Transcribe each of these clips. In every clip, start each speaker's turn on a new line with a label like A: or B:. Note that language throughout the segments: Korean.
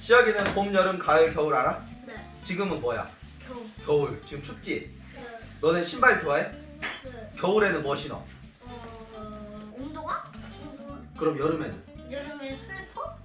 A: 시작이는 봄, 여름, 가을, 겨울 알아?
B: 네.
A: 지금은 뭐야? 겨울. 지금 춥지?
B: 네.
A: 너네 신발 좋아해?
B: 네.
A: 겨울에는 뭐 신어?
B: 운동화?
A: 그럼 여름에는?
B: 여름에 슬리퍼?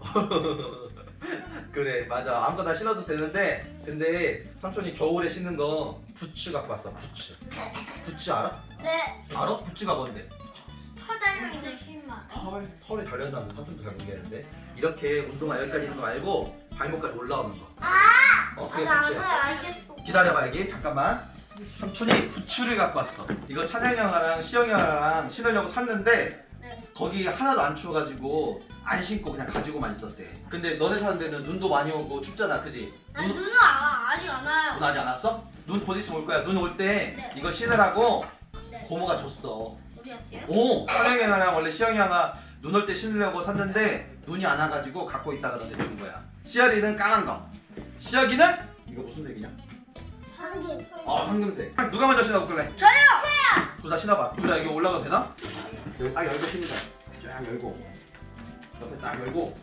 A: 그래 맞아 아무거나 신어도 되는데 근데 삼촌이 겨울에 신는 거 부츠 갖고 왔어. 부츠 알아?
B: 네.
A: 알아? 부츠가 뭔데?
B: 털 달려있는 신발.
A: 털이 달렸다는데 삼촌도 잘 모르겠는데 이렇게 운동화 여기까지 있는 거 말고 발목까지 올라오는 거. 그게
B: 나
A: 부츠야.
B: 알겠어.
A: 기다려봐 여기 잠깐만. 삼촌이 부츠를 갖고 왔어. 이거 찬양이 형아랑 시영이 형아랑 신으려고 샀는데
B: 네.
A: 거기 하나도 안 추워가지고 안 신고 그냥 가지고만 있었대. 근데 너네 사는 데는 눈도 많이 오고 춥잖아 그지?
B: 눈은 아직 안 와요.
A: 눈 아직 안 왔어? 눈 곧 있으면 올 거야. 눈 올 때
B: 네.
A: 이거 신으라고
B: 네.
A: 고모가 줬어.
B: 우리한테요?
A: 오! 찬영이 형이랑 원래 시영이 형아 눈 올 때 신으려고 샀는데 눈이 안 와가지고 갖고 있다가 너네 준 거야. 시열이는 까만 거. 시혁이는 이거 무슨 색이냐?
B: 한개.
A: 황금색. 누가 먼저 신어볼래?
B: 저요.
A: 둘 다 신어봐. 둘 다 여기 올라가도 되나? 여기 딱 열고 신자. 쫙 열고 옆에 딱 열고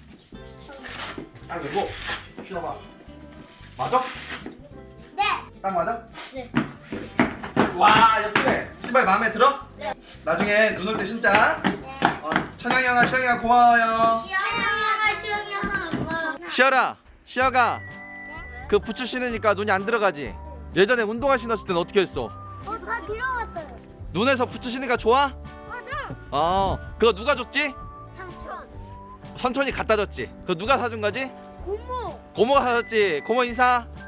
A: 딱 열고 신어봐. 맞아?
B: 네.
A: 딱 맞아?
B: 네.
A: 와 예쁘네. 신발 마음에 들어?
B: 네.
A: 나중에 눈 올 때 신자.
B: 네.
A: 찬영이 형아 시영이 형아 고마워요.
B: 시영이 하나 엄마.
A: 시열아 시혁아 그 부츠 신으니까 눈이 안 들어가지? 예전에 운동화 신었을 때는 어떻게 했어?
B: 다 들어갔어요.
A: 눈에서 부츠 신으니까 좋아?
B: 맞아.
A: 그거 누가 줬지?
B: 삼촌.
A: 삼촌이 갖다 줬지? 그거 누가 사준 거지?
B: 고모.
A: 고모가 사줬지? 고모 인사.